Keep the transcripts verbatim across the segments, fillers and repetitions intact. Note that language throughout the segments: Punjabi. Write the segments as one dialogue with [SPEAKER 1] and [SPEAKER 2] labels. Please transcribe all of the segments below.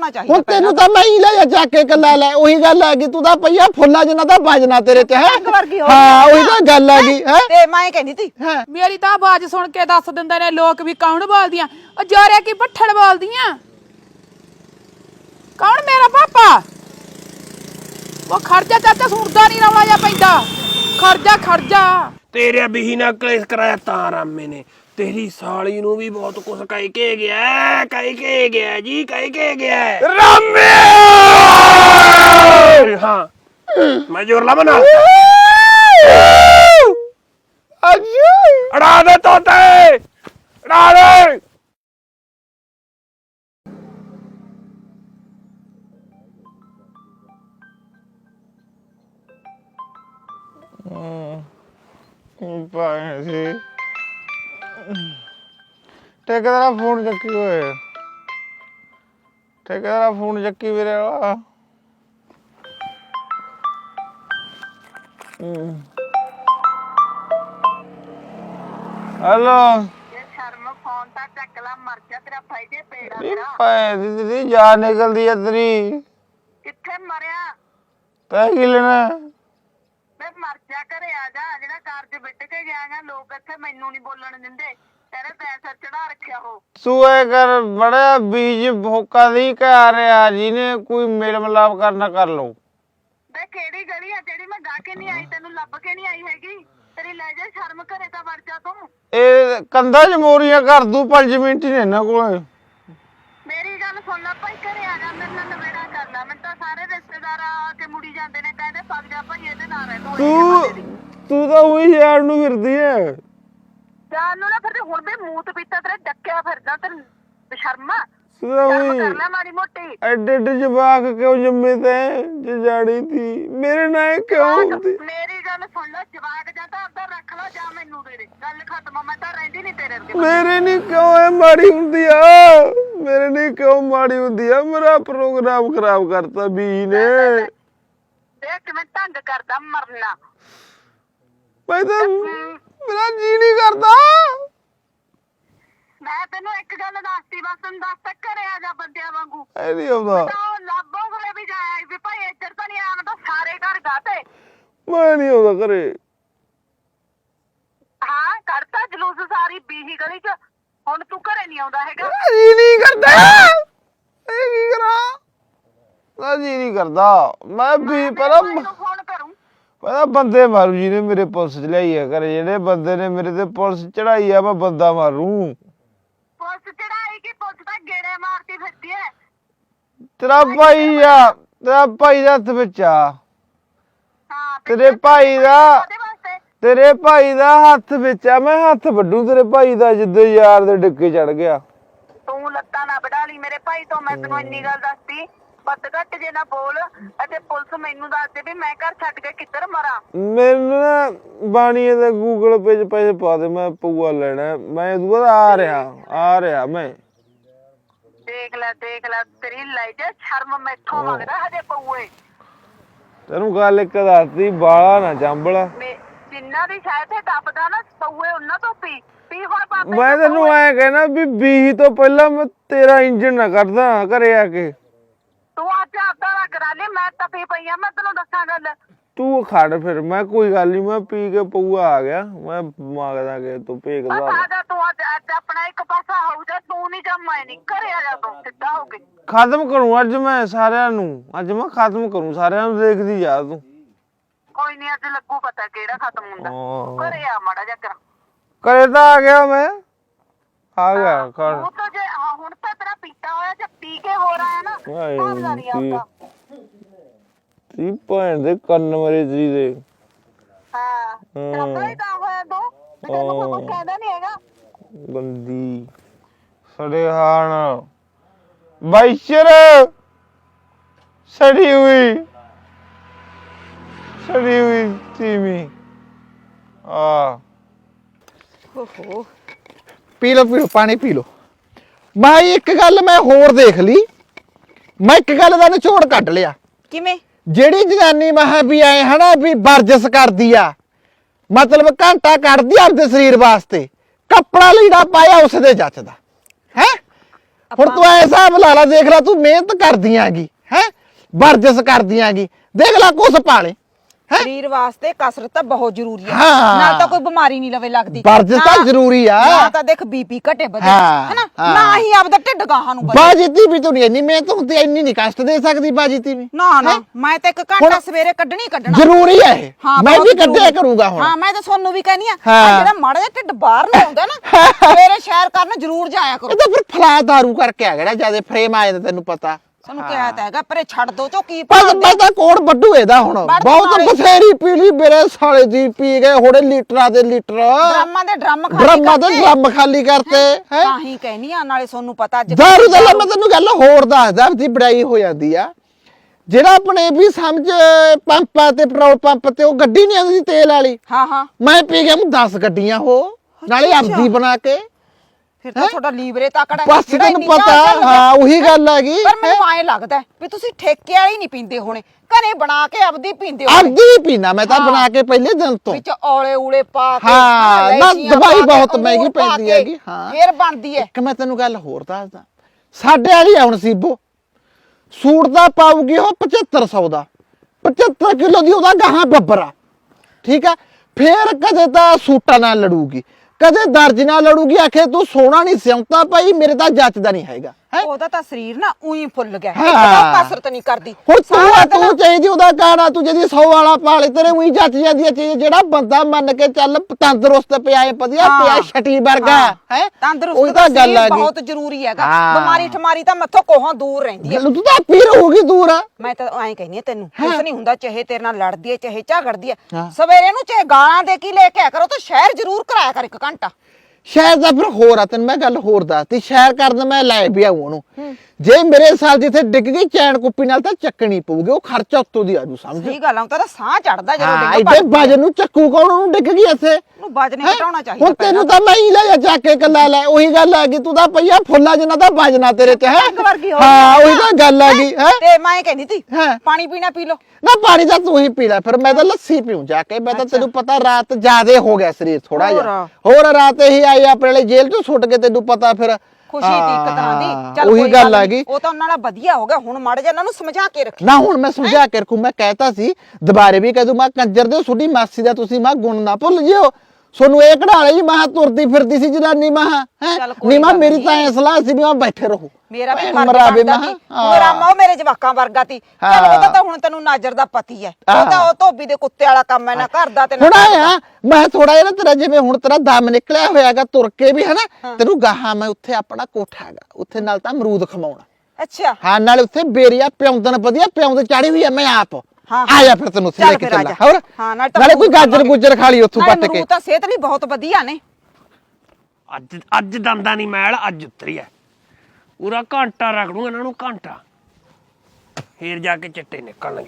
[SPEAKER 1] ਹੋਣਾ ਚਾਹੀਦਾ।
[SPEAKER 2] ਹੁਣ ਤੈਨੂੰ ਤਾਂ ਮੈਂ ਹੀ ਲੈ ਜਾ ਚੱਕ ਕੇ ਕੱਲਾ ਲੈ, ਉਹੀ ਗੱਲ ਆ ਗਈ, ਤੂੰ ਤਾਂ ਪਈਆ ਫੁੱਲਾਂ ਜਿੰਨਾ ਤਾਂ ਵਜਣਾ ਤੇਰੇ ਚ ਹੈ। ਹਾਂ ਉਹੀ ਤਾਂ ਗੱਲ ਆ ਗਈ ਹੈ।
[SPEAKER 1] ਤੇ ਮੈਂ ਕਹਿੰਦੀ ਤੀ
[SPEAKER 3] ਮੇਰੀ ਤਾਂ ਆਵਾਜ਼ ਸੁਣ ਕੇ ਦੱਸ ਦਿੰਦੇ ਨੇ ਲੋਕ ਵੀ ਕੌਣ ਬੋਲਦੀਆਂ। ਉਹ ਜੋਰਿਆ ਕੀ ਭੱਠੜ ਬੋਲਦੀਆਂ। ਕੌਣ ਮੇਰਾ ਪਾਪਾ? ਉਹ ਖਰਜਾ ਚਾਚਾ ਸੁਣਦਾ ਨਹੀਂ ਰੌਲਾ ਜਾ ਪੈਂਦਾ। ਖਰਜਾ ਖਰਜਾ
[SPEAKER 4] ਤੇਰੇ ਬੀਹੀ ਨਾਲ ਕਲੇਸ਼ ਕਰਾਇਆ ਤਾਂ ਰਾਮੇ ਨੇ। ਤੇਰੀ ਸਾਲੀ ਨੂੰ ਵੀ ਬਹੁਤ ਕੁਝ ਕਹਿ ਕੇ ਗਿਆ, ਕਹਿ ਕੇ ਗਿਆ ਜੀ, ਕਹਿ ਕੇ ਗਿਆ ਰਾਮੇ। ਹਾਂ ਮੈਂ ਜੋਰ ਲਾ ਮਨਾ ਅੜਾ ਦੇ ਤੋਤੇ, ਅੜਾ ਦੇ।
[SPEAKER 2] ਪਾਏ ਸੀ ਠੇਕੇਦਾਰਾ ਫੋਨ ਚੱਕੀ ਹੋਏ, ਠੇਕੇਦਾਰਾ ਫੋਨ ਚੱਕੀ ਵੀਰੇ ਵਾਲਾ। ਹੈਲੋ
[SPEAKER 5] ਸ਼ਰਮ ਫੋਨ ਤਾਂ ਚੱਕ ਲਾ, ਮਰ ਜਾ ਤੇਰਾ ਭਾਈ ਦੇ ਪੇੜਾ ਤੇਰਾ।
[SPEAKER 2] ਪਾਏ ਦੀ ਜਾਨ ਨਿਕਲਦੀ ਆ ਤੇਰੀ।
[SPEAKER 5] ਕਿੱਥੇ ਮਰਿਆ?
[SPEAKER 2] ਤੈ ਕੀ ਲੈਣਾ?
[SPEAKER 5] ਮੈਂ ਮਰ ਜਾ, ਘਰੇ ਆ ਜਾ। ਜਿਹੜਾ ਕਾਰਜ ਵਿੱਢ ਕੇ ਗਿਆ ਗਾ, ਲੋਕ ਇੱਥੇ ਮੈਨੂੰ ਨਹੀਂ ਬੋਲਣ ਦਿੰਦੇ। ਤੇਰੇ ਪੈਸਾ ਚੜਾ ਰੱਖਿਆ ਹੋ।
[SPEAKER 2] ਤੂੰ ਇਹ ਕਰ ਬੜਾ ਬੀਜ ਭੋਕਾ ਦੀ ਕਹਿ ਰਿਹਾ, ਜਿਹਨੇ ਕੋਈ ਮੇਲ ਮਿਲਾਪ ਕਰਨਾ ਕਰ ਲਓ।
[SPEAKER 5] ਵੇ ਕਿਹੜੀ ਗਲੀ ਆ ਜਿਹੜੀ ਮੈਂ ਗਾ ਕੇ ਨਹੀਂ ਆਈ, ਤੈਨੂੰ ਲੱਭ ਕੇ ਨਹੀਂ ਆਈ ਹੈਗੀ? ਤੇਰੀ ਲੈ ਜਾ ਸ਼ਰਮ, ਘਰੇ ਤਾਂ ਵੜ ਜਾ ਤੂੰ।
[SPEAKER 2] ਇਹ ਕੰਧਾਂ ਚ ਮੋਰੀਆਂ ਕਰ ਦੂ ਪੰਜ ਮਿੰਟ ਹੀ ਨੇ ਇਹਨਾਂ ਕੋਲ।
[SPEAKER 5] ਮੇਰੀ ਗੱਲ ਸੁਣ ਲੈ ਭਾਈ, ਘਰੇ ਆ ਜਾ, ਮੇਰੇ ਨਾਲ ਨਵੇੜਾ ਕਰ ਲੈ। ਮੈਨੂੰ ਤਾਂ ਸਾਰੇ ਰਿਸ਼ਤੇਦਾਰ ਆ ਕੇ ਮੁੜੀ ਜਾਂਦੇ ਨੇ, ਕਹਿੰਦੇ ਪੱਗ ਜਾ ਭਾਈ ਇਹਦੇ ਨਾਲ ਰਹਿ ਤੂੰ।
[SPEAKER 2] ਤੂੰ ਤੂੰ ਤਾਂ ਉਹੀ ਯਾਰ ਨੂੰ ਫਿਰਦੀ ਐ
[SPEAKER 5] ਜਾਨ ਨੂੰ ਨਾ ਫਿਰ ਹੁਣ ਵੀ ਮੂੰਹ ਤੇ ਪੀਤਾ ਤੇਰੇ ਡੱਕਿਆ ਫਿਰਦਾ। ਤੈਨੂੰ ਬੇਸ਼ਰਮਾ
[SPEAKER 2] ਤੂੰ ਤਾਂ
[SPEAKER 5] ਸ਼ਰਮ
[SPEAKER 2] ਉਹੀ
[SPEAKER 5] ਕਰ ਲੈ ਮਾੜੀ ਮੋਟੀ।
[SPEAKER 2] ਐਡੇ ਐਡੇ ਜਵਾਕ ਕਿਉਂ ਜੰਮੇ ਤੇ ਜੇ ਜਾਣੀ ਸੀ ਮੇਰੇ ਨਾਲ ਕਿਉਂ ਹੁੰਦੀ।
[SPEAKER 5] ਮੇਰੀ ਗੱਲ ਸੁਣ ਲੈ, ਜਵਾਕ ਜਾਂ ਤਾਂ ਆਪਦਾ ਰੱਖ ਲਾ ਜਾਂ ਮੈਨੂੰ ਦੇ ਦੇ, ਗੱਲ ਖਤਮ। ਮੈਂ ਤਾਂ ਰਹਿੰਦੀ ਨਹੀਂ ਤੇਰੇ ਅੱਗੇ।
[SPEAKER 2] ਮੇਰੇ ਨਹੀਂ ਕਿਉਂ ਐ ਮਾੜੀ ਹੁੰਦੀ ਆ, ਮੇਰੇ ਨਹੀਂ ਕਿਉਂ ਮਾੜੀ ਹੁੰਦੀ ਆ। ਮੇਰਾ ਪ੍ਰੋਗਰਾਮ ਖਰਾਬ ਕਰਤਾ ਬੀ ਨੇ।
[SPEAKER 5] ਦੇਖ ਕਿਵੇਂ ਢੰਗ ਕਰਦਾ ਮਰਨਾ।
[SPEAKER 2] ਮੈਂ ਤਾਂ ਮੇਰਾ ਜੀ ਨਹੀਂ ਕਰਦਾ।
[SPEAKER 5] ਮੈਂ ਤੈਨੂੰ ਇੱਕ ਗੱਲ ਦੱਸਤੀ, ਬਸ ਤੈਨੂੰ ਦੱਸ ਤੱਕ ਘਰੇ ਆ ਜਾ ਬੰਦਿਆਂ ਵਾਂਗੂ।
[SPEAKER 2] ਐ ਨਹੀਂ ਆਉਂਦਾ।
[SPEAKER 5] ਤਾਂ ਉਹ ਲਾਭੋਂ ਕੋਲੇ ਵੀ ਜਾਇਆ ਵੀ ਭਾਈ ਇੱਧਰ ਤਾਂ ਨਹੀਂ ਆਇਆ। ਮੈਂ ਤਾਂ ਸਾਰੇ ਘਰ ਗਾਤੇ।
[SPEAKER 2] ਮੈਂ ਨਹੀਂ ਆਉਂਦਾ ਘਰੇ।
[SPEAKER 5] ਹਾਂ ਕਰਤਾ ਜਲੂਸ ਸਾਰੀ ਬੀਹੀ ਗਲੀ ਚ। ਹੁਣ ਤੂੰ ਘਰੇ ਨਹੀਂ ਆਉਂਦਾ ਹੈਗਾ।
[SPEAKER 2] ਜੀ ਨਹੀਂ ਕਰਦਾ। ਇਹ ਕੀ ਕਰਾਂ? ਤਾਂ ਜੀ ਨਹੀਂ ਕਰਦਾ। ਮੈਂ ਵੀ ਪਹਿਲਾਂ
[SPEAKER 5] ਫੋਨ ਕਰੂੰ।
[SPEAKER 2] ਪਹਿਲਾਂ ਬੰਦੇ ਮਾਰੂ ਜੀ ਨੇ ਮੇਰੇ ਪੁਲਿਸ ਚ ਲਿਆਈ ਆ ਘਰੇ। ਜਿਹੜੇ ਬੰਦੇ ਨੇ ਮੇਰੇ ਤੇ ਪੁਲਿਸ ਚੜਾਈ ਆ ਮੈਂ ਬੰਦਾ ਮਾਰੂ।
[SPEAKER 5] ਪੁਲਿਸ ਚੜਾਈ ਕੀ? ਪੁਲਿਸ ਤਾਂ ਗੇੜੇ ਮਾਰਦੀ ਫਿਰਦੀ ਐ।
[SPEAKER 2] ਤੇਰਾ ਭਾਈ ਆ, ਤੇਰਾ ਭਾਈ ਦਾ ਹੱਥ ਵਿੱਚ ਆ।
[SPEAKER 5] ਹਾਂ
[SPEAKER 2] ਤੇਰੇ ਭਾਈ ਦਾ ਤੇਰੇ ਭਾਈ ਦਾ ਹੱਥ ਵਿੱਚ ਆ। ਮੈਂ ਹੱਥ ਵੱਢੂ ਤੇਰੇ ਭਾਈ ਦਾ ਜਿੱਦੇ ਯਾਰ ਦੇ ਡਿੱਕੇ ਚੜ ਗਿਆ।
[SPEAKER 5] ਤੂੰ ਲੱਤਾਂ ਨਾ ਵਢਾ ਲਈ ਮੇਰੇ ਭਾਈ ਤੋਂ। ਮੈਂ ਤੈਨੂੰ ਇੰਨੀ ਗੱਲ ਦੱਸਤੀ, ਵੱਧ ਘੱਟ ਜੇ ਨਾ ਬੋਲ। ਅਤੇ ਪੁਲਿਸ ਮੈਨੂੰ ਦੱਸ ਦੇ ਵੀ ਮੈਂ ਘਰ ਛੱਡ ਕੇ ਕਿੱਧਰ ਮਰਾਂ।
[SPEAKER 2] ਮੈਨੂੰ ਨਾ ਬਾਣੀਏ ਦੇ ਗੂਗਲ ਪੇ ਚ ਪੈਸੇ ਪਾ ਦੇ, ਮੈਂ ਪਊਆ ਲੈਣਾ। ਮੈਂ ਇਹਦੇ ਬਾਅਦ ਆ ਰਿਹਾ ਆ ਰਿਹਾ ਮੈਂ।
[SPEAKER 5] ਦੇਖ ਲੈ ਦੇਖ ਲੈ, ਤੇਰੀ ਲੈ ਜਾ ਸ਼ਰਮ, ਮੈਥੋਂ ਮੰਗਦਾ ਹਜੇ ਪਊਏ।
[SPEAKER 2] ਤੈਨੂੰ ਗੱਲ ਇੱਕ ਦੱਸਦੀ, ਬਾਲਾ ਨਾ ਚੰਬਲ।
[SPEAKER 5] ਜਿੰਨਾ ਦੀ ਸ਼ਾਇਦ ਤੇ ਦੱਬਦਾ ਨਾ ਪਊਏ, ਉਹਨਾਂ ਤੋਂ ਪੀ ਪੀ ਹੁਣ ਬਾਬੇ।
[SPEAKER 2] ਮੈਂ ਤੈਨੂੰ ਐ ਕਹਿਣਾ ਵੀ ਵੀਹ ਤੋਂ ਪਹਿਲਾਂ ਮੈਂ ਤੇਰਾ ਇੰਜਣ ਨਾ ਕਰਦਾ ਘਰੇ ਆ ਕੇ।
[SPEAKER 5] ਤੂੰ ਅੱਜ ਆਪਦਾ ਨਾ ਕਰਾ ਲਈ, ਮੈਂ ਤਪੀ ਪਈ ਆ। ਮੈਂ ਤੈਨੂੰ ਦੱਸਾਂ ਗੱਲ।
[SPEAKER 2] ਤੂੰ ਖੜ ਫਿਰ, ਮੈਂ ਕੋਈ ਗੱਲ ਨਹੀਂ, ਮੈਂ ਪੀ ਕੇ ਪਊਆ ਆ ਗਿਆ। ਮੈਂ ਮੰਗਦਾ ਕਿ ਤੂੰ ਭੇਜਦਾ।
[SPEAKER 5] ਆ ਜਾ ਤੂੰ ਅੱਜ ਅੱਜ ਆਪਣਾ ਇੱਕ ਪਾਸਾ ਹੋ ਜਾ। ਤੂੰ ਨਹੀਂ ਜੰਮਾ ਨਹੀਂ, ਘਰੇ ਆ ਜਾ ਤੂੰ ਸਿੱਧਾ ਹੋ ਕੇ।
[SPEAKER 2] ਖਤਮ ਕਰੂੰ ਅੱਜ ਮੈਂ ਸਾਰਿਆਂ ਨੂੰ। ਅੱਜ ਮੈਂ ਖਤਮ ਕਰੂੰ ਸਾਰਿਆਂ ਨੂੰ। ਦੇਖਦੀ ਜਾ ਤੂੰ।
[SPEAKER 5] ਕੋਈ ਨਹੀਂ, ਅੱਜ ਲੱਗੂ ਪਤਾ ਕਿਹੜਾ ਖਤਮ ਹੁੰਦਾ। ਘਰੇ ਆ ਮਾੜਾ ਜਿਹਾ ਕਰ।
[SPEAKER 2] ਘਰੇ ਤਾਂ ਆ ਗਿਆ ਮੈਂ, ਆ ਗਿਆ ਖੜ।
[SPEAKER 5] ਉਹ ਤਾਂ ਜੇ ਹੁਣ ਤਾਂ ਤੇਰਾ ਪੀਤਾ ਹੋਇਆ ਜੇ ਪੀ ਕੇ ਹੋ ਰਹਾ ਹੈ ਨਾ, ਸਮਝਦਾ ਨਹੀਂ ਆਉਂਦਾ।
[SPEAKER 2] ਤੀ ਭੈਣ ਦੇ ਕੰਨ ਮਰੇ ਜੀ ਦੇ।
[SPEAKER 5] ਹਾਂ ਤੇਰਾ ਕੋਈ ਤਾਂ ਹੋਇਆ ਦੋ ਤੈਨੂੰ ਕੋਈ ਕੁਝ ਕਹਿੰਦਾ ਨਹੀਂ ਹੈਗਾ।
[SPEAKER 2] ਗੰਦੀ ਸੜੇ ਹਾਣ ਬਾਈਸ਼ਰ ਸੜੀ ਹੋਈ ਸੜੀ ਹੋਈ ਤੀਵੀਂ ਆ।
[SPEAKER 1] ਓਹੋ
[SPEAKER 2] ਪੀ ਲੋ ਪੀ ਲੋ ਪਾਣੀ ਪੀ ਲੋ। ਮੈਂ ਇੱਕ ਗੱਲ ਮੈਂ ਹੋਰ ਦੇਖ ਲਈ। ਮੈਂ ਇੱਕ ਗੱਲ ਦਾ ਨਿਚੋੜ ਕੱਢ ਲਿਆ।
[SPEAKER 1] ਕਿਵੇਂ?
[SPEAKER 2] ਜਿਹੜੀ ਜਨਾਨੀ ਮੈਂ ਵੀ ਆਏ ਹਨਾ ਵੀ ਵਰਜਿਸ਼ ਕਰਦੀ ਆ, ਮਤਲਬ ਘੰਟਾ ਕੱਢਦੀ ਆ ਆਪਦੇ ਸਰੀਰ ਵਾਸਤੇ, ਕੱਪੜਾ ਲੀੜਾ ਪਾਇਆ ਉਸ ਦੇ ਜੱਚਦਾ ਹੈ। ਹੁਣ ਤੂੰ ਐ ਹਿਸਾਬ ਲਾ ਲਾ, ਦੇਖ ਲੈ ਤੂੰ ਮਿਹਨਤ ਕਰਦੀਆਂਗੀ ਹੈ, ਵਰਜਿਸ਼ ਕਰਦੀਆਂਗੀ, ਦੇਖ ਲੈ ਕੁਛ ਪਾਲੇ ਹੈ।
[SPEAKER 1] ਸਰੀਰ ਵਾਸਤੇ ਕਸਰਤ ਤਾਂ ਬਹੁਤ ਜ਼ਰੂਰੀ ਹੈ,
[SPEAKER 2] ਹਾਂ।
[SPEAKER 1] ਨਾਲ ਤਾਂ ਕੋਈ ਬਿਮਾਰੀ ਨਹੀਂ ਲਵੇ ਲੱਗਦੀ,
[SPEAKER 2] ਵਰਜਿਸ਼ ਤਾਂ
[SPEAKER 1] ਨਾ-
[SPEAKER 2] ਜ਼ਰੂਰੀ ਆ।
[SPEAKER 1] ਨਾ ਤਾਂ ਦੇਖ ਬੀਪੀ ਘਟੇ ਵਧੇ
[SPEAKER 2] ਹਾਂ,
[SPEAKER 1] ਹੈਨਾ,
[SPEAKER 2] ਹਾਂ।
[SPEAKER 1] ਨਾ ਹੀ ਆਪਦਾ ਢਿੱਡ ਗਾਹਾਂ ਨੂੰ ਵਧੇ।
[SPEAKER 2] ਬਾਜੀਤੀ ਵੀ ਤੂੰ ਨਹੀਂ ਇੰਨੀ ਮਿਹਨਤ ਹੁੰਦੀ, ਇੰਨੀ ਨਹੀਂ ਕਸ਼ਟ ਦੇ ਸਕਦੀ ਬਾਜੀਤੀ ਵੀ।
[SPEAKER 1] ਨਾ ਨਾ ਮੈਂ ਤਾਂ ਇੱਕ ਘੰਟਾ ਸਵੇਰੇ ਕੱਢਣੀ ਕੱਢਣਾ
[SPEAKER 2] ਜ਼ਰੂਰੀ ਹੈ ਇਹ,
[SPEAKER 1] ਹਾਂ,
[SPEAKER 2] ਮੈਂ
[SPEAKER 1] ਬਹੁਤ
[SPEAKER 2] ਵੀ ਕੱਢਿਆ
[SPEAKER 1] ਜ਼ਰੂਰੀ।
[SPEAKER 2] ਕਰੂੰਗਾ ਹੁਣ।
[SPEAKER 1] ਹਾਂ ਮੈਂ ਤਾਂ ਤੁਹਾਨੂੰ ਵੀ ਕਹਿੰਦੀ ਆ,
[SPEAKER 2] ਹਾਂ।
[SPEAKER 1] ਆਹ ਜਿਹੜਾ ਮਾੜਾ ਜਿਹਾ ਢਿੱਡ ਬਾਹਰ ਨੂੰ ਆਉਂਦਾ ਨਾ ਸਵੇਰੇ ਸ਼ੈਰ ਕਰਨ ਜ਼ਰੂਰ ਜਾਇਆ ਕਰੋ।
[SPEAKER 2] ਇਹ ਤਾਂ ਫਿਰ ਫਲਾ ਦਾਰੂ ਕਰਕੇ ਆ ਗਿਆ, ਜਿਆਦਾ ਫਰੇਮ ਆਏ ਤਾਂ ਤੈਨੂੰ ਪਤਾ।
[SPEAKER 1] ਸਾਨੂੰ ਕਿਹਾ ਤਾਂ ਹੈਗਾ ਪਰੇ ਛੱਡ ਦੋ ਚੋ ਕੀ
[SPEAKER 2] ਪਰ
[SPEAKER 1] ਭਾਲਦੇ?
[SPEAKER 2] ਮੈਂ ਤਾਂ ਕੋੜ ਵੱਡੂ ਇਹਦਾ ਹੁਣ,
[SPEAKER 1] ਵੱਢ
[SPEAKER 2] ਬਹੁਤ
[SPEAKER 1] ਨਾਲੇ।
[SPEAKER 2] ਬਥੇਰੀ ਪੀ ਲਈ, ਮੇਰੇ ਸਾਲੇ ਦੀ ਪੀ ਗਏ ਹੋੜੇ ਲੀਟਰਾਂ ਦੇ ਲੀਟਰ,
[SPEAKER 1] ਡਰਾਮਾਂ ਦੇ ਡਰਮ ਖਾਲੀ
[SPEAKER 2] ਡਰਮਾਂ ਦੇ
[SPEAKER 1] ਕਰਤੇ।
[SPEAKER 2] ਡਰਮ ਖਾਲੀ ਕਰਤੇ ਹੈ।
[SPEAKER 1] ਤਾਂ ਹੀ ਕਹਿਨੀ ਆ, ਨਾਲੇ ਤੁਹਾਨੂੰ ਪਤਾ ਅੱਜ
[SPEAKER 2] ਦਾਰੂ ਦਾ ਲੈ ਮੈਂ ਤੈਨੂੰ ਗੱਲ ਹੋਰ ਦੱਸਦਾ, ਦੀ ਬੜਾਈ ਹੋ ਜਾਂਦੀ ਆ। ਜਿਹੜਾ ਆਪਣੇ ਵੀ ਸਮਝ ਪੰਪਾਂ ਤੇ ਪੈਟਰੋਲ ਪੰਪ ਤੇ ਉਹ ਗੱਡੀ ਨਹੀਂ ਆਉਂਦੀ ਤੇਲ ਵਾਲੀ,
[SPEAKER 1] ਹਾਂ ਹਾਂ
[SPEAKER 2] ਮੈਂ ਪੀ ਗਿਆ ਮੈਂ ਦਸ ਗੱਡੀਆਂ ਉਹ, ਨਾਲੇ
[SPEAKER 1] ਅੱਛਾ।
[SPEAKER 2] ਆਪਦੀ ਬਣਾ ਕੇ।
[SPEAKER 1] ਫਿਰ ਤਾਂ ਤੁਹਾਡਾ ਲੀਵਰੇ ਤਕੜਾ
[SPEAKER 2] ਬਸ ਤੈਨੂੰ ਪਤਾ, ਹਾਂ ਉਹੀ ਗੱਲ ਹੈਗੀ।
[SPEAKER 1] ਪਰ ਮੈਨੂੰ ਐਂ ਲੱਗਦਾ ਹੈ ਵੀ ਤੁਸੀਂ ਠੇਕੇ ਵਾਲੀ ਨਹੀਂ ਪੀਂਦੇ ਹੋਣੇ, ਘਰੇ ਬਣਾ ਕੇ ਆਪਦੀ ਪੀਂਦੇ ਹੋਣੇ,
[SPEAKER 2] ਆਪਦੀ ਹੀ ਪੀਣਾ ਮੈਂ ਤਾਂ
[SPEAKER 1] ਹਾਂ।
[SPEAKER 2] ਬਣਾ ਕੇ ਪਹਿਲੇ ਦਿਨ ਤੋਂ।
[SPEAKER 1] ਵਿੱਚ ਔਲੇ ਊਲੇ ਪਾ ਕੇ
[SPEAKER 2] ਹਾਂ, ਨਾ
[SPEAKER 1] ਇਲਾਇਚੀਆਂ
[SPEAKER 2] ਦਵਾਈ
[SPEAKER 1] ਪਾ ਕੇ,
[SPEAKER 2] ਬਹੁਤ ਮਹਿੰਗੀ
[SPEAKER 1] ਅੰਗੂਰ ਪਾ
[SPEAKER 2] ਪੈਂਦੀ
[SPEAKER 1] ਕੇ,
[SPEAKER 2] ਹੈਗੀ, ਹਾਂ।
[SPEAKER 1] ਫਿਰ ਬਣਦੀ ਹੈ।
[SPEAKER 2] ਇੱਕ ਮੈਂ ਤੈਨੂੰ ਗੱਲ ਹੋਰ ਦੱਸਦਾ, ਸਾਡੇ ਵਾਲੀ ਆਉਣ ਸੀਬੋ ਸੂਟ ਦਾ ਪਾਉਗੀ ਉਹ ਪਝੱਤਰ ਸੌ ਦਾ, ਪਝੱਤਰ ਕਿਲੋ ਦੀ ਉਹਦਾ ਗਾਹਾਂ ਬੱਬਰਾ, ਠੀਕ ਆ। ਫੇਰ ਕਦੇ ਤਾਂ ਸੂਟਾਂ ਨਾਲ ਲੜੂਗੀ, ਕਦੇ ਦਰਜ ਨਾਲ ਲੜੂਗੀ, ਆਖੇ ਤੂੰ ਸੋਹਣਾ ਨਹੀਂ ਸਿਉਂਤਾ ਭਾਈ, ਮੇਰੇ ਤਾਂ ਜੱਚਦਾ ਨਹੀਂ ਹੈਗਾ ਹੈ।
[SPEAKER 1] ਉਹਦਾ ਤਾਂ ਸਰੀਰ ਨਾ ਉਹੀ ਫੁੱਲ ਗਿਆ,
[SPEAKER 2] ਹਾਂ।
[SPEAKER 1] ਇੱਕ ਤਾਂ ਉਹ ਕਸਰਤ ਨਹੀਂ ਕਰਦੀ
[SPEAKER 2] ਹੁਣ ਤੂੰ
[SPEAKER 1] ਸਾਰਾ
[SPEAKER 2] ਆ,
[SPEAKER 1] ਦਿਨ-
[SPEAKER 2] ਤੂੰ ਚਾਹੀਦੀ ਉਹਦਾ ਗਾਣਾ, ਤੂੰ ਜਿਹਦੀ ਸੌ ਵਾਲਾ ਪਾਲੇ ਤੇਰੇ ਉਹੀ ਜੱਚ ਜਾਂਦੀ ਹੈ ਚੀਜ਼। ਜਿਹੜਾ ਬੰਦਾ ਮੰਨ ਕੇ ਚੱਲ ਤੰਦਰੁਸਤ ਪਿਆ ਏ, ਵਧੀਆ
[SPEAKER 1] ਹਾਂ।
[SPEAKER 2] ਪਿਆ ਛਟੀ ਵਰਗਾ
[SPEAKER 1] ਹਾਂ।
[SPEAKER 2] ਹੈ,
[SPEAKER 1] ਤੰਦਰੁਸਤ
[SPEAKER 2] ਉਹੀ
[SPEAKER 1] ਤਾਂ
[SPEAKER 2] ਤਾਂ ਗੱਲ
[SPEAKER 1] ਸਰੀਰ
[SPEAKER 2] ਆ
[SPEAKER 1] ਬਹੁਤ ਜ਼ਰੂਰੀ ਹੈਗਾ,
[SPEAKER 2] ਹਾਂ।
[SPEAKER 1] ਬਿਮਾਰੀ ਠਮਾਰੀ ਤਾਂ ਮੈਥੋਂ ਕੋਹਾਂ ਦੂਰ ਰਹਿੰਦੀ ਹੈ।
[SPEAKER 2] ਤੂੰ ਤਾਂ ਪੀਰ ਹੋਊਗੀ ਦੂਰ ਆ।
[SPEAKER 1] ਮੈਂ ਤਾਂ ਐਂ ਕਹਿੰਦੀ ਆ ਤੈਨੂੰ, ਕੁਛ ਨਹੀਂ ਹੁੰਦਾ, ਚਾਹੇ ਤੇਰੇ ਨਾਲ ਲੜਦੀ ਹੈ ਚਾਹੇ ਝਗੜਦੀ ਹੈ,
[SPEAKER 2] ਹਾਂ।
[SPEAKER 1] ਸਵੇਰੇ ਨੂੰ ਚਾਹੇ ਗਾਲਾਂ ਦੇ ਕੇ ਲੈ ਕੇ ਆਇਆ ਕਰੋ, ਤਾਂ ਸ਼ਹਿਰ ਜ਼ਰੂਰ ਕਰਾਇਆ ਕਰ ਇੱਕ ਘੰਟਾ।
[SPEAKER 2] ਸ਼ਹਿਰ ਦਾ ਫਿਰ ਹੋਰ ਆ, ਤੈਨੂੰ ਮੈਂ ਗੱਲ ਹੋਰ ਦੱਸਤੀ, ਸ਼ਹਿਰ ਕਰਨ ਮੈਂ ਲੈ ਵੀ ਆਉਂ ਉਹਨੂੰ। ਜੇ ਮੇਰੇ ਸਾਲ ਜਿੱਥੇ ਡਿੱਗ ਗਈ ਚੈਨ ਕੁੱਪੀ ਨਾਲ ਤਾਂ ਚੱਕਣੀ ਪਊਗੀ, ਉਹ ਖਰਚਾ ਉੱਤੋਂ ਦੀ ਆਜੂ ਸਮਝ।
[SPEAKER 1] ਸਹੀ ਗੱਲ ਆ, ਤਾਂ ਸਾਹ ਚੜਦਾ ਜਦੋਂ
[SPEAKER 2] ਹਾਂ,
[SPEAKER 1] ਡਿੱਗ
[SPEAKER 2] ਇੱਡੇ ਵਜਨ ਨੂੰ ਚੱਕੂ ਕੌਣ, ਉਹਨੂੰ ਡਿੱਗ ਗਈ ਇੱਥੇ।
[SPEAKER 1] ਨੂੰ ਵਜਨ
[SPEAKER 2] ਹੈਂ?
[SPEAKER 1] ਘਟਾਉਣਾ ਚਾਹੀਦਾ
[SPEAKER 2] ਹੁਣ ਤੈਨੂੰ ਤਾਂ ਮੈਂ ਹੀ ਲੈ ਜਾ ਚੱਕ ਕੇ ਕੱਲਾ ਲੈ, ਉਹੀ ਗੱਲ ਆ ਗਈ, ਤੂੰ ਤਾਂ ਪਈਆ ਫੁੱਲਾ ਜਿੰਨਾ ਦਾ ਵਜਨਾ ਤੇਰੇ ਤੇ ਹੈ।
[SPEAKER 1] ਅੱਗ ਵਰਗੀ ਹੋ
[SPEAKER 2] ਹਾਂ,
[SPEAKER 1] ਗਈ
[SPEAKER 2] ਉਹੀ ਤਾਂ ਗੱਲ ਆ ਗਈ ਹੈ।
[SPEAKER 1] ਤੇ ਮੈਂ ਕਹਿੰਦੀ ਤੀ
[SPEAKER 2] ਹਾਂ।
[SPEAKER 1] ਪਾਣੀ ਪੀਣਾ ਪੀ ਲੋ।
[SPEAKER 2] ਨਾ ਪਾਣੀ ਤਾਂ ਤੂੰ ਹੀ ਪੀ ਲੈ, ਫਿਰ ਮੈਂ ਤਾਂ ਲੱਸੀ ਪੀਉਂ ਜਾ ਕੇ। ਮੈਂ ਤਾਂ ਤੈਨੂੰ ਪਤਾ ਰਾਤ ਜ਼ਿਆਦੇ ਹੋ ਗਿਆ ਸਰੀਰ ਥੋੜਾ ਜਿਹਾ, ਹੋਰ ਰਾਤ ਇਹੀ ਆਈ ਆਪਣੇ ਲਈ ਜੇਲ੍ਹ ਤੋਂ ਛੁੱਟ ਕੇ, ਤੈਨੂੰ ਪਤਾ ਫਿਰ
[SPEAKER 1] ਖੁਸ਼ੀ ਦੀ ਇੱਕ ਤਰ੍ਹਾਂ ਦੀ,
[SPEAKER 2] ਹਾਂ,
[SPEAKER 1] ਚੱਲ
[SPEAKER 2] ਉਹੀ
[SPEAKER 1] ਕੋਈ
[SPEAKER 2] ਗੱਲ
[SPEAKER 1] ਨੀ,
[SPEAKER 2] ਆ ਗਈ।
[SPEAKER 1] ਉਹ ਤਾਂ ਉਹਨਾਂ ਨਾਲ ਵਧੀਆ ਹੋ ਗਿਆ, ਹੁਣ ਮੜ ਜਾ ਇਹਨਾਂ ਨੂੰ ਸਮਝਾ ਕੇ ਰੱਖੀ।
[SPEAKER 2] ਨਾ ਹੁਣ ਮੈਂ ਸਮਝਾ ਕੇ ਰੱਖੂ, ਮੈਂ ਕਹਿਤਾ ਸੀ ਦੁਬਾਰੇ ਵੀ ਕਹਿ ਦੂੰ, ਮੈਂ ਕੰਜਰ ਦੇ ਤੁਹਾਡੀ ਮਾਸੀ ਦਾ ਤੁਸੀਂ ਮਾਂ ਗੁਣ ਨਾ ਭੁੱਲ ਜਿਓ। ਸੋਨੂੰ ਇਹ ਕਢਾ ਲਈ ਮਾਂ ਤੁਰਦੀ ਫਿਰਦੀ ਸੀ ਜਨਾਨੀ ਮਾਂ ਹੈ
[SPEAKER 1] ਚੱਲ ਕੋਈ
[SPEAKER 2] ਨੀ ਮਾਂ,
[SPEAKER 1] ਗੱਲ
[SPEAKER 2] ਮੇਰੀ
[SPEAKER 1] ਨੀ।
[SPEAKER 2] ਤਾਂ ਐ ਸਲਾਹ ਸੀ ਵੀ ਮੈਂ ਬੈਠੇ ਰਹੋ,
[SPEAKER 1] ਮੇਰਾ ਵੀ
[SPEAKER 2] ਭੈਣ
[SPEAKER 1] ਫਰਜ਼
[SPEAKER 2] ਮਰਾਵੇ
[SPEAKER 1] ਬਣਦਾ
[SPEAKER 2] ਮਾਂ।
[SPEAKER 1] ਸੀ, ਮੇਰਾ ਮਾਂ ਉਹ ਮੇਰੇ ਜਵਾਕਾਂ ਵਰਗਾ ਤੀ। ਚੱਲ ਉਹਦਾ ਤਾਂ ਹੁਣ ਤੈਨੂੰ ਨਾਜ਼ਰ ਦਾ ਪਤੀ ਹੈ, ਉਹ ਤਾਂ ਉਹ ਧੋਬੀ ਦੇ ਕੁੱਤੇ ਵਾਲਾ ਕੰਮ ਹੈ, ਨਾ ਘਰ ਦਾ ਤੇ ਨਾ
[SPEAKER 2] ਹੁਣ
[SPEAKER 1] ਬਾਹਰ ਦਾ।
[SPEAKER 2] ਆਇਆ ਮੈਂ ਥੋੜਾ ਜਿਹਾ ਨਾ ਤੇਰਾ, ਜਿਵੇਂ ਹੁਣ ਤੇਰਾ ਦਮ ਨਿਕਲਿਆ ਹੋਇਆਗਾ ਤੁਰ ਕੇ ਵੀ, ਹਨਾ ਤੈਨੂੰ ਗਾਹਾਂ ਮੈਂ ਉੱਥੇ ਆਪਣਾ ਕੋਠਾ ਹੈਗਾ, ਉੱਥੇ ਨਾਲ ਤਾਂ ਅਮਰੂਦ ਖਮਾਉਣਾ।
[SPEAKER 1] ਅੱਛਾ
[SPEAKER 2] ਹਾਂ, ਨਾਲੇ ਉੱਥੇ ਬੇਰੀਆ ਪਿਆਉਂਦਨ ਵਧੀਆ ਪਿਆਉਂਦ ਚਾੜੀ ਹੋਈ ਆ ਮੈਂ ਆਪ।
[SPEAKER 1] ਹਾਂ,
[SPEAKER 2] ਆ ਜਾ ਫਿਰ ਤੈਨੂੰ ਉੱਥੇ
[SPEAKER 1] ਚੱਲ
[SPEAKER 2] ਲੈ ਕੇ
[SPEAKER 1] ਫਿਰ ਆ
[SPEAKER 2] ਚੱਲਾਂ,
[SPEAKER 1] ਜਾ।
[SPEAKER 2] ਹੋਰ
[SPEAKER 1] ਹਾਂ, ਨਾਲੇ ਤਾਂ
[SPEAKER 2] ਨਾਲੇ ਕੋਈ
[SPEAKER 1] ਅਮਰੂਦ
[SPEAKER 2] ਗਾਜਰ
[SPEAKER 1] ਖਾਵਾਂਗੇ।
[SPEAKER 2] ਗੁੱਜਰ ਖਾ ਲਈ ਉੱਥੋਂ
[SPEAKER 1] ਨਾਲੇ
[SPEAKER 2] ਪੱਟ ਕੇ।
[SPEAKER 1] ਅਮਰੂਦ ਤਾਂ ਸਿਹਤ ਲਈ ਬਹੁਤ ਵਧੀਆ ਨੇ।
[SPEAKER 4] ਅੱਜ ਅੱਜ ਦੰਦਾਂ ਦੀ ਮੈਲ ਅੱਜ ਉਤਰੀ ਐ, ਪੂਰਾ ਘੰਟਾ ਰਗੜੂ ਇਹਨਾਂ ਨੂੰ, ਘੰਟਾ ਫੇਰ ਜਾ ਕੇ ਚਿੱਟੇ ਨਿਕਲਣਗੇ।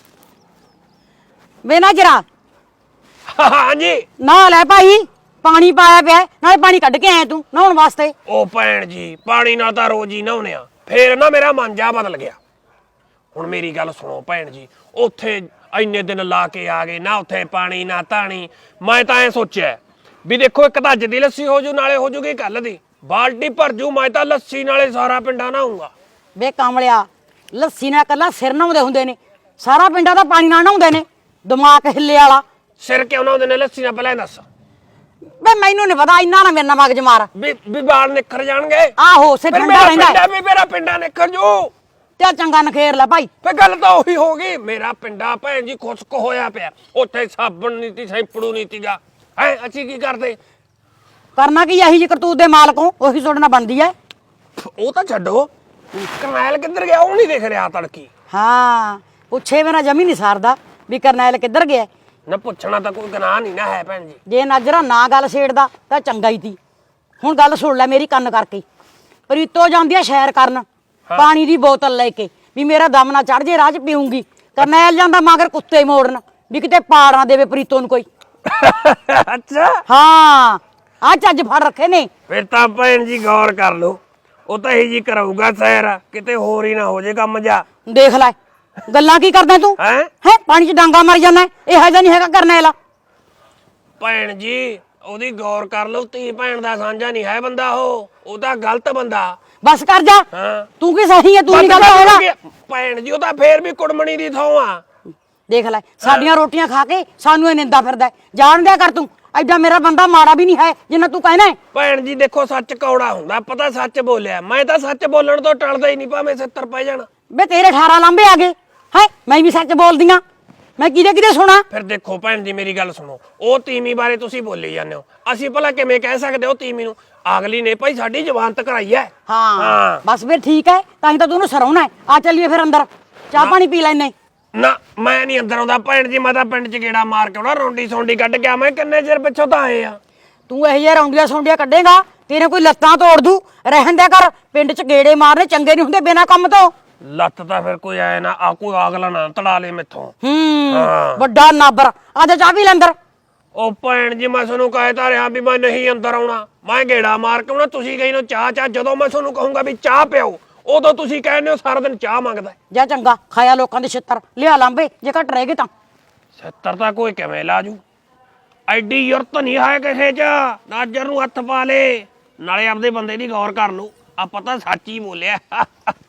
[SPEAKER 6] ਵੇ ਨਾ ਜਰਾ
[SPEAKER 4] ਹਾਂਜੀ
[SPEAKER 6] ਨਾ ਲੈ ਭਾਈ, ਪਾਣੀ ਪਾਇਆ ਪਿਆ, ਨਾਲੇ ਪਾਣੀ ਕੱਢ ਕੇ ਆਇਆ ਤੂੰ ਨਹਾਉਣ ਵਾਸਤੇ।
[SPEAKER 4] ਉਹ ਭੈਣ ਜੀ, ਪਾਣੀ ਨਾਲ ਤਾਂ ਰੋਜ਼ ਹੀ ਨਹਾਉਣੇ ਆ, ਫੇਰ ਨਾ ਮੇਰਾ ਮਨ ਜਾ ਬਦਲ ਗਿਆ। ਹੁਣ ਮੇਰੀ ਗੱਲ ਸੁਣੋ ਭੈਣ ਜੀ, ਉੱਥੇ ਇੰਨੇ ਦਿਨ ਲਾ ਕੇ ਆ ਗਏ ਨਾ, ਉੱਥੇ ਪਾਣੀ ਨਾ ਧਾਣੀ। ਮੈਂ ਤਾਂ ਐ ਸੋਚਿਆ ਵੀ ਦੇਖੋ, ਇੱਕ ਤਾਂ ਅੱਜ ਦੀ ਲੱਸੀ ਹੋ ਜੂ, ਨਾਲੇ ਹੋ ਜੂਗੀ ਕੱਲ ਦੀ, ਬਾਲਟੀ ਭਰ ਜੂ। ਮੈਂ ਤਾਂ ਲੱਸੀ ਨਾਲੇ ਸਾਰਾ ਪਿੰਡਾ ਨਹਾਉਂਗਾ।
[SPEAKER 6] ਵੇ ਕਾਮਲਿਆ, ਲੱਸੀ ਨਾਲ ਕੱਲਾ ਸਿਰ ਨਹਾਉਂਦੇ ਹੁੰਦੇ ਨੇ, ਸਾਰਾ ਪਿੰਡਾਂ ਦਾ ਪਾਣੀ ਨਾਲ ਨਹਾਉਂਦੇ ਨੇ, ਦਿਮਾਗ ਹਿੱਲੇ ਵਾਲਾ।
[SPEAKER 4] ਸਿਰ ਕਿਉਂ ਨਹਾਉਂਦੇ ਨੇ ਲੱਸੀ ਨਾਲ, ਪਹਿਲਾਂ ਇਹ ਦੱਸ।
[SPEAKER 6] ਵੇ ਮੈਨੂੰ ਨਹੀਂ ਪਤਾ, ਇੰਨਾ ਨਾ ਮੇਰੇ ਨਾਲ ਮਗਜ ਮਾਰ।
[SPEAKER 4] ਵੀ ਵੀ ਬਾਲ ਨਿਖਰ ਜਾਣਗੇ।
[SPEAKER 6] ਆਹੋ, ਸਿਰ
[SPEAKER 4] ਫਿਰ
[SPEAKER 6] ਠੰਡਾ
[SPEAKER 4] ਮੇਰਾ
[SPEAKER 6] ਰਹਿੰਦਾ
[SPEAKER 4] ਪਿੰਡਾ ਵੀ ਮੇਰਾ ਪਿੰਡਾ ਨਿਖਰ ਜੂ।
[SPEAKER 6] ਤੇ ਚੰਗਾ ਨਖੇਰ ਲੈ ਭਾਈ।
[SPEAKER 4] ਫੇ ਗੱਲ ਤਾਂ ਉਹੀ ਹੋ ਗਈ, ਮੇਰਾ ਪਿੰਡਾ ਭੈਣ ਜੀ ਖੁਸ਼ਕ ਹੋਇਆ ਪਿਆ। ਉੱਥੇ ਸਾਬਣ ਨੀਤੀ ਸੈਂਪੜੂ ਨੀਤੀਗਾ ਹੈ, ਅਸੀਂ ਕੀ ਕਰਦੇ?
[SPEAKER 6] ਕਰਨਾ ਕੀ, ਇਹੀ ਜੀ ਕਰਤੂਤ ਦੇ ਮਾਲਕੋਂ ਉਹੀ ਸੁਣਨਾ ਬਣਦੀ ਐ।
[SPEAKER 4] ਉਹ ਤਾਂ ਛੱਡੋ, ਕਰਨੈਲ ਕਿੱਧਰ ਗਿਆ ਉਹ ਨਹੀਂ ਦਿਖ ਰਿਹਾ ਤੜਕੀ।
[SPEAKER 6] ਹਾਂ, ਪੁੱਛੇ ਬਿਨਾ ਜਮੀ ਨਹੀਂ ਸਾਰਦਾ ਵੀ ਕਰਨੈਲ ਕਿੱਧਰ ਗਿਆ।
[SPEAKER 4] ਨਾ ਪੁੱਛਣਾ ਤਾਂ ਕੋਈ ਗੁਨਾਹ ਨਹੀਂ ਨਾ ਹੈ ਭੈਣ ਜੀ।
[SPEAKER 6] ਜੇ ਨਾਜਰਾ ਨਾ ਗੱਲ ਛੇੜਦਾ ਤਾਂ ਚੰਗਾ ਹੀ ਤੀ। ਹੁਣ ਗੱਲ ਸੁਣ ਲੈ ਮੇਰੀ ਕੰਨ ਕਰਕੇ। ਪ੍ਰੀਤੋ ਜਾਂਦੀ ਆ ਸ਼ੈਰ ਕਰਨ, ਪਾਣੀ ਦੀ ਬੋਤਲ ਲੈ ਕੇ, ਵੀ ਮੇਰਾ ਦਮ ਨਾ ਚੜ ਜੇ, ਰਾਹ 'ਚ ਪੀਊਂਗੀ। ਕਰਨੈਲ ਜਾਂਦਾ ਮਗਰ ਕੁੱਤੇ ਮੋੜਨ, ਵੀ ਕਿਤੇ ਪਾੜ ਨਾ ਦੇਵੇ ਪ੍ਰੀਤੋ ਨੂੰ ਕੋਈ।
[SPEAKER 4] ਅੱਛਾ,
[SPEAKER 6] ਹਾਂ, ਆ ਚੱਜ ਫੜ ਰੱਖੇ ਨੇ।
[SPEAKER 4] ਫਿਰ ਤਾਂ ਭੈਣ ਜੀ ਗੌਰ ਕਰ ਲਓ, ਉਹ ਤਾਂ ਇਹੀ ਜੀ ਕਰਾਊਗਾ ਸੈਰ, ਕਿਤੇ ਹੋਰ ਹੀ ਨਾ ਹੋ ਜੇ ਕੰਮ ਜਾ।
[SPEAKER 6] ਦੇਖ ਲੈ ਗੱਲਾਂ ਕੀ ਕਰਦਾ ਤੂੰ
[SPEAKER 4] ਹੈ
[SPEAKER 6] ਹੈ ਪਾਣੀ 'ਚ ਡਾਂਗਾ ਮਾਰ ਜਾਂਦਾ। ਇਹੋ ਜਿਹਾ ਨਹੀਂ ਹੈਗਾ ਕਰਨੈਲ।
[SPEAKER 4] ਭੈਣ ਜੀ ਉਹਦੀ ਗੌਰ ਕਰ ਲਓ, ਧੀ ਭੈਣ ਦਾ ਸਾਂਝਾ ਨਹੀਂ ਹੈ ਬੰਦਾ ਉਹ ਉਹ ਤਾਂ ਗਲਤ ਬੰਦਾ।
[SPEAKER 6] ਬਸ ਕਰ ਜਾ
[SPEAKER 4] ਹਾਂ।
[SPEAKER 6] ਤੂੰ ਕੀ ਸਹੀ ਹੈ ਤੂੰ ਨਹੀਂ ਗੱਲ ਹੋਣਾ
[SPEAKER 4] ਭੈਣ ਜੀ ਉਹ ਤਾਂ ਫੇਰ ਵੀ ਕੁੜਮਣੀ ਦੀ ਥਾਂ ਆ।
[SPEAKER 6] ਦੇਖ ਲੈ ਸਾਡੀਆਂ ਰੋਟੀਆਂ ਖਾ ਕੇ ਸਾਨੂੰ ਇਹ ਨਿੰਦਾ ਫਿਰਦਾ ਹੈ। ਜਾਣ ਦਿਆ ਕਰ ਤੂੰ ਐਡਾ ਮੇਰਾ ਬੰਦਾ ਮਾੜਾ ਵੀ ਨਹੀਂ ਹੈ ਜਿੰਨਾ ਤੂੰ ਕਹਿਣਾ ਹੈ।
[SPEAKER 4] ਭੈਣ ਜੀ ਦੇਖੋ ਸੱਚ ਕੌੜਾ ਹੁੰਦਾ ਪਤਾ ਸੱਚ ਬੋਲਿਆ ਮੈਂ ਤਾਂ ਸੱਚ ਬੋਲਣ ਤੋਂ ਟਲਦਾ ਹੀ ਨਹੀਂ ਭਾਵੇਂ ਸੱਤਰ ਪੈ ਜਾਣ।
[SPEAKER 6] ਬੇ ਤੇਰੇ ਅਠਾਰਾਂ ਲਾਂਬੇ ਆ ਗਏ ਹੈ ਮੈਂ ਵੀ ਸੱਚ ਬੋਲਦੀਆਂ ਮੈਂ ਕਿਹਦੇ ਕਿਹਦੇ ਸੁਣਾ
[SPEAKER 4] ਫਿਰ ਦੇਖੋ ਭੈਣ ਜੀ ਮੇਰੀ ਗੱਲ ਸੁਣੋ ਉਹ ਤੀਵੀਂ ਬਾਰੇ ਤੁਸੀਂ ਬੋਲੀ ਜਾਂਦੇ ਹੋ ਅਸੀਂ ਭਲਾ ਕਿਵੇਂ ਕਹਿ ਸਕਦੇ ਹੋ ਤੀਵੀਂ ਨੂੰ ਅਗਲੀ ਨੇ ਭਾਈ ਸਾਡੀ ਜ਼ਮਾਨਤ ਕਰਾਈ ਹੈ।
[SPEAKER 6] ਹਾਂ ਬਸ ਫਿਰ ਠੀਕ ਹੈ ਤਾਂ ਹੀ ਤਾਂ ਤੂੰ ਉਹਨੂੰ ਸਰਾਉਣਾ ਹੈ। ਆ ਚੱਲੀਏ ਫਿਰ ਅੰਦਰ ਚਾਹ ਪਾਣੀ ਪੀ ਲੈਨੇ।
[SPEAKER 4] ਨਾ ਮੈਂ ਨਹੀਂ ਅੰਦਰ ਆਉਂਦਾ ਭੈਣ ਜੀ ਮੈਂ ਤਾਂ ਪਿੰਡ ਚ ਗੇੜਾ ਮਾਰ ਕੇ ਆਉਣਾ ਰੌਂਡੀ ਸੌਂਡੀ ਕੱਢ ਕੇ ਮੈਂ ਕਿੰਨੇ ਚਿਰ ਪਿੱਛੋਂ ਤਾਂ ਆਏ ਆ।
[SPEAKER 6] ਤੂੰ ਇਹ ਜਿਹਾ ਰੌਂਡੀਆਂ ਸੌਂਡੀਆਂ ਕੱਢੇਗਾ ਤੇਰੇ ਕੋਈ ਲੱਤਾਂ ਤੋੜ ਦੂ ਰਹਿਣ ਦਿਆ ਕਰ ਪਿੰਡ ਚ ਗੇੜੇ ਮਾਰਨੇ ਚੰਗੇ ਨਹੀਂ ਹੁੰਦੇ ਬਿਨਾਂ ਕੰਮ ਤੋਂ।
[SPEAKER 4] ਲੱਤ ਤਾਂ ਫਿਰ ਕੋਈ ਆਏ ਨਾ ਆ ਕੋਈ ਅਗਲਾ ਨਾ ਤੜਾ ਲੇ ਮੈਥੋਂ।
[SPEAKER 6] ਹੂੰ ਵੱਡਾ ਨਾਬਰ ਆ ਜਾ ਚਾਹ ਪੀ ਲੈ ਅੰਦਰ।
[SPEAKER 4] ਉਹ ਭੈਣ ਜੀ ਮੈਂ ਤੁਹਾਨੂੰ ਕਹਿਤਾ ਰਿਹਾ ਵੀ ਮੈਂ ਨਹੀਂ ਅੰਦਰ ਆਉਣਾ ਮੈਂ ਗੇੜਾ ਮਾਰ ਕੇ ਆਉਣਾ ਤੁਸੀਂ ਕਹੀ ਨੂੰ ਚਾਹ ਚਾਹ ਜਦੋਂ ਮੈਂ ਤੁਹਾਨੂੰ ਕਹੂੰਗਾ ਵੀ ਚਾਹ ਪਿਓ ਉਦੋਂ ਤੁਸੀਂ ਕਹਿੰਦੇ ਹੋ ਸਾਰਾ ਦਿਨ ਚਾਹ ਮੰਗਦਾ।
[SPEAKER 6] ਜਾ ਚੰਗਾ ਖਾਇਆ ਲੋਕਾਂ ਦੇ ਛਿੱਤਰ ਲਿਆ ਲਾਂਬੇ ਜੇ ਘਟ ਰਹਿ ਗਏ ਤਾਂ।
[SPEAKER 4] ਛਿੱਤਰ ਤਾਂ ਕੋਈ ਕਿਵੇਂ ਲਾਜੂ ਐਡੀ ਯੁਰਤ ਨਹੀਂ ਹੈ ਕਿਸੇ ਚ ਨਾਜਰ ਨੂੰ ਹੱਥ ਪਾ ਲੇ ਨਾਲੇ ਆਪਦੇ ਬੰਦੇ ਦੀ ਗੌਰ ਕਰ ਲਓ ਆ ਪਤਾ ਸੱਚ ਹੀ ਬੋਲਿਆ।